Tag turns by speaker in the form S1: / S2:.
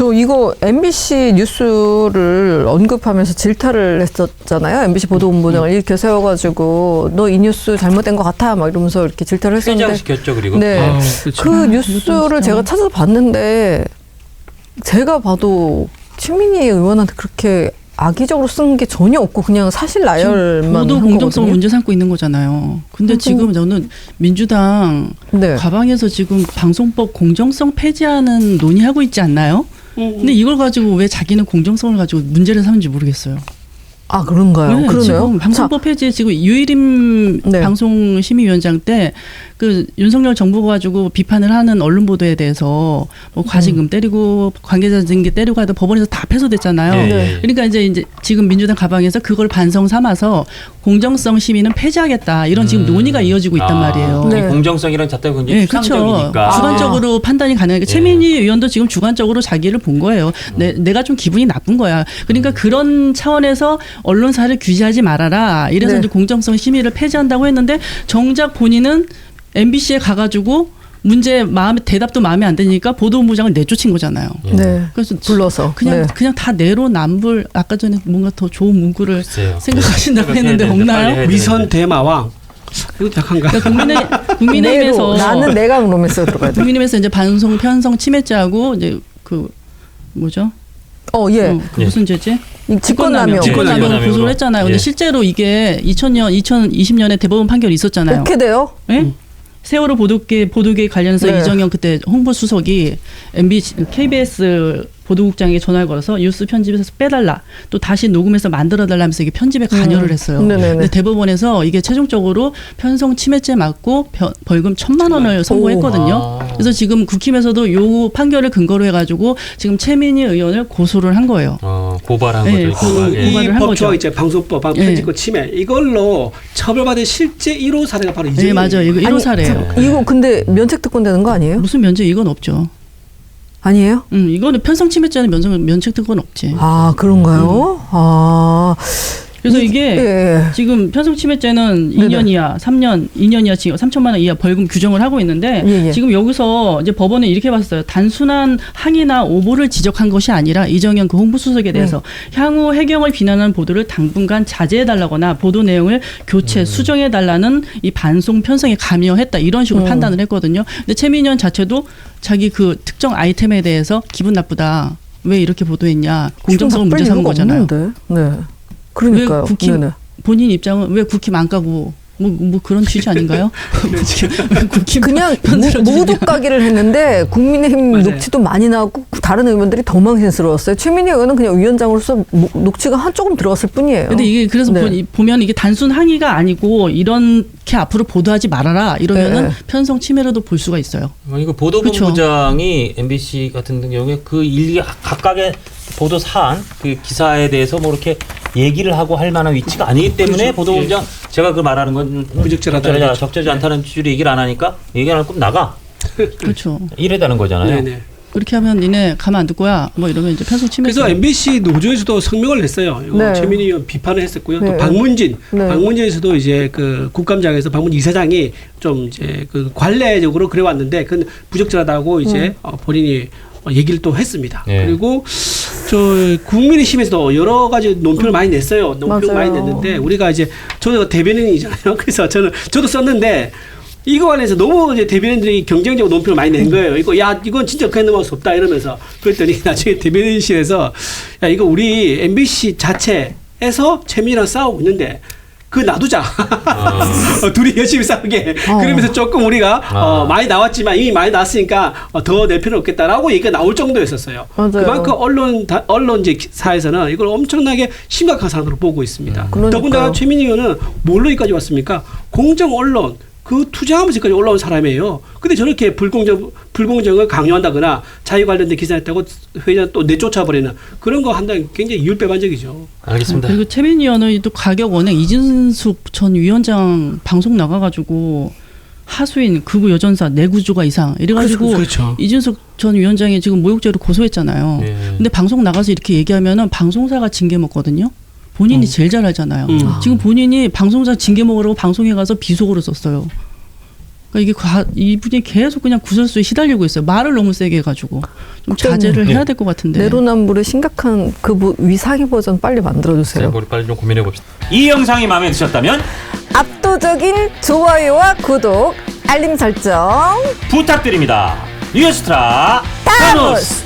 S1: 저 이거 MBC 뉴스를 언급하면서 질타를 했었잖아요. MBC 보도본부장을 이렇게 세워가지고 너 이 뉴스 잘못된 것 같아 막 이러면서 이렇게 질타를 했었는데
S2: 퇴장시켰죠. 그리고
S1: 네, 그 뉴스를 제가 찾아봤는데 제가 봐도 최민희 의원한테 그렇게 악의적으로 쓴 게 전혀 없고 그냥 사실 나열만
S3: 보도
S1: 한
S3: 공정성을
S1: 거거든요.
S3: 문제 삼고 있는 거잖아요. 근데 지금 저는 민주당
S1: 네.
S3: 가방에서 지금 방송법 공정성 폐지하는 논의하고 있지 않나요? 근데 이걸 가지고 왜 자기는 공정성을 가지고 문제를 삼는지 모르겠어요.
S1: 아 그런가요?
S3: 네,
S1: 그러네요.
S3: 지금 방송법 폐지 지금 유일임
S1: 네.
S3: 방송심의위원장 때 그 윤석열 정부가 가지고 비판을 하는 언론 보도에 대해서 뭐 과징금 때리고 관계자 징계 때리고 하다 법원에서 다 패소됐잖아요.
S2: 네.
S3: 그러니까 이제 지금 민주당 가방에서 그걸 반성 삼아서 공정성 심의는 폐지하겠다 이런 지금 논의가 이어지고 있단 말이에요.
S1: 네.
S2: 공정성이란 자체가 굉장히
S3: 네, 그렇죠.
S2: 추상적이니까.
S3: 주관적으로 판단이 가능하니까
S2: 네.
S3: 최민희 의원도 지금 주관적으로 자기를 본 거예요. 내가 좀 기분이 나쁜 거야. 그러니까 그런 차원에서 언론사를 규제하지 말아라. 이래서
S1: 네.
S3: 이제 공정성 심의를 폐지한다고 했는데 정작 본인은 MBC에 가가지고 문제 대답도 마음에 안 드니까 보도본부장을 내쫓은 거잖아요.
S1: 네.
S3: 그래서
S1: 불러서
S3: 그냥 다 내로남불 아까 전에 뭔가 더 좋은 문구를
S2: 글쎄요.
S3: 생각하신다고
S2: 네.
S3: 했는데
S2: 빨리
S3: 없나요?
S2: 해야
S4: 위선 대마왕. 이거 약한가?
S3: 그러니까 국민의힘에서
S1: 나는 내가 로맨스가 들어가야 돼.
S3: 국민의힘에서 이제 방송 편성 침해죄하고 이제 그 뭐죠?
S1: 예.
S3: 그 무슨 죄지?
S1: 직권남용.
S3: 직권남용 고소를 했잖아요. 근데
S2: 예.
S3: 실제로 이게 2020년에 대법원 판결이 있었잖아요.
S1: 어떻게 돼요?
S3: 예? 세월호 보도계 관련해서
S1: 네.
S3: 이정현 그때 홍보수석이 MBC, KBS 보도국장에게 전화를 걸어서 뉴스 편집에서 빼달라. 또 다시 녹음해서 만들어달라면서 이게 편집에 관여를 했어요.
S1: 네네네.
S3: 근데 대법원에서 이게 최종적으로 편성 침해죄 맞고 벌금 1,000만 원을 선고했거든요. 그래서 지금 국힘에서도 요 판결을 근거로 해가지고 지금 최민희 의원을 고소를 한 거예요.
S2: 고발한
S3: 네,
S2: 거죠. 고발.
S3: 그
S4: 이
S3: 고발을 한
S4: 법조와
S3: 거죠.
S4: 이제 방송법, 편집권 침해 이걸로 처벌받은 실제 1호 사례가 바로
S3: 네, 맞아요. 이거 1호 사례예요.
S1: 이거 근데 면책특권 되는 거 아니에요?
S3: 무슨 면책 이건 없죠.
S1: 아니에요?
S3: 이거는 편성 침해죄는 면책 특권 없지.
S1: 아 그런가요?
S3: 그래서 이게
S1: 예.
S3: 지금 편성 침해죄는
S1: 네네.
S3: 2년 이하, 3년, 2년 이하 징역 3천만 원 이하 벌금 규정을 하고 있는데
S1: 예.
S3: 지금 여기서 이제 법원은 이렇게 봤어요. 단순한 항의나 오보를 지적한 것이 아니라 이정현 그 홍보수석에 대해서 향후 해경을 비난하는 보도를 당분간 자제해달라거나 보도 내용을 교체, 수정해달라는 이 반송 편성에 감여했다 이런 식으로 판단을 했거든요. 근데 최민희 의원 자체도 자기 그 특정 아이템에 대해서 기분 나쁘다. 왜 이렇게 보도했냐. 공정성을 문제 삼은 거잖아요.
S1: 없는데. 네. 그러니까요.
S3: 왜 국힘
S1: 네네.
S3: 본인 입장은 왜 국힘 안 까고 뭐 그런 취지 아닌가요? 국힘
S1: 그냥
S3: 편들어주냐.
S1: 모두 까기를 했는데 국민의힘
S4: 맞아요.
S1: 녹취도 많이 나왔고 다른 의원들이 더 망신스러웠어요. 최민희 의원은 그냥 위원장으로서 녹취가 한 조금 들어갔을 뿐이에요.
S3: 근데 이게 그래서
S1: 네.
S3: 보면 이게 단순 항의가 아니고 이렇게 앞으로 보도하지 말아라 이러면은
S1: 네.
S3: 편성 침해로도 볼 수가 있어요.
S2: 이거 보도본부장이 MBC 같은 경우에 그 일기 각각의 보도 사안 그 기사에 대해서 뭐 이렇게 얘기를 하고 할 만한 위치가 아니기 때문에
S4: 그렇죠.
S2: 보도본부장 제가 그 말하는 건
S4: 부적절하다.
S2: 적절하지 않다는 취지로 얘기를 안 하니까 얘기 안 하면 나가
S3: 그렇죠.
S2: 이래다는 거잖아요.
S4: 네네.
S3: 그렇게 하면 니네 가만 안 둘 거야. 뭐 이러면 이제 편성 침해.
S4: 그래서 MBC 노조에서도 성명을 냈어요. 이거
S1: 네.
S4: 최민희 의원 비판을 했었고요.
S1: 네.
S4: 또 방문진에서도 이제 그 국감장에서 방문진 이사장이 좀 이제 그 관례적으로 그래 왔는데 그건 부적절하다고 이제 본인이 얘기를 또 했습니다.
S2: 네.
S4: 그리고 저 국민의힘에서도 여러 가지 논평을 많이 냈어요. 논평을
S1: 맞아요.
S4: 많이 냈는데 우리가 이제 저도 대변인이잖아요. 그래서 저도 썼는데 이거 관해서 너무 이제 대변인들이 경쟁적으로 논평을 많이 낸 거예요. 이건 진짜 그냥 넘어갈 수 없다 이러면서 그랬더니 나중에 대변인실에서 야 이거 우리 MBC 자체에서 최민희랑 싸우고 있는데 그거 놔두자. 둘이 열심히 싸우게. 그러면서 조금 우리가 많이 나왔지만 이미 많이 나왔으니까 더 낼 필요는 없겠다라고 얘기가 나올 정도였었어요.
S1: 맞아요.
S4: 그만큼 언론사에서는 이걸 엄청나게 심각한 사안으로 보고 있습니다.
S1: 그러니까요.
S4: 더군다나 최민희 의원은 뭘로 여기까지 왔습니까? 공정 언론. 그 투쟁하면서 여기까지 올라온 사람이에요. 근데 저렇게 불공정을 강요한다거나 자유 관련된 기사했다고 회장 또 내쫓아버리는 그런 거 한다면 굉장히 이율배반적이죠.
S2: 알겠습니다.
S3: 그리고 최민희 의원은 또 가격 원행 이진숙 전 위원장 방송 나가가지고 하수인 극우 여전사 내구조가 이상 이래가지고
S4: 그렇죠.
S3: 이진숙 전 위원장이 지금 모욕죄로 고소했잖아요.
S2: 네.
S3: 근데 방송 나가서 이렇게 얘기하면은 방송사가 징계 먹거든요. 본인이 제일 잘 알잖아요. 지금 본인이 방송사 징계 먹으라고 방송에 가서 비속어를 썼어요. 그러니까 이분이 계속 그냥 구설수에 시달리고 있어요. 말을 너무 세게 해가지고 좀 자제를
S2: 네.
S3: 해야 될 것 같은데.
S1: 내로남불의 심각한 그 위상의 버전 빨리 만들어주세요.
S2: 우리 빨리 좀 고민해 봅시다. 이 영상이 마음에 드셨다면
S1: 압도적인 좋아요와 구독, 알림 설정
S2: 부탁드립니다. 뉴스트라
S1: 타노스!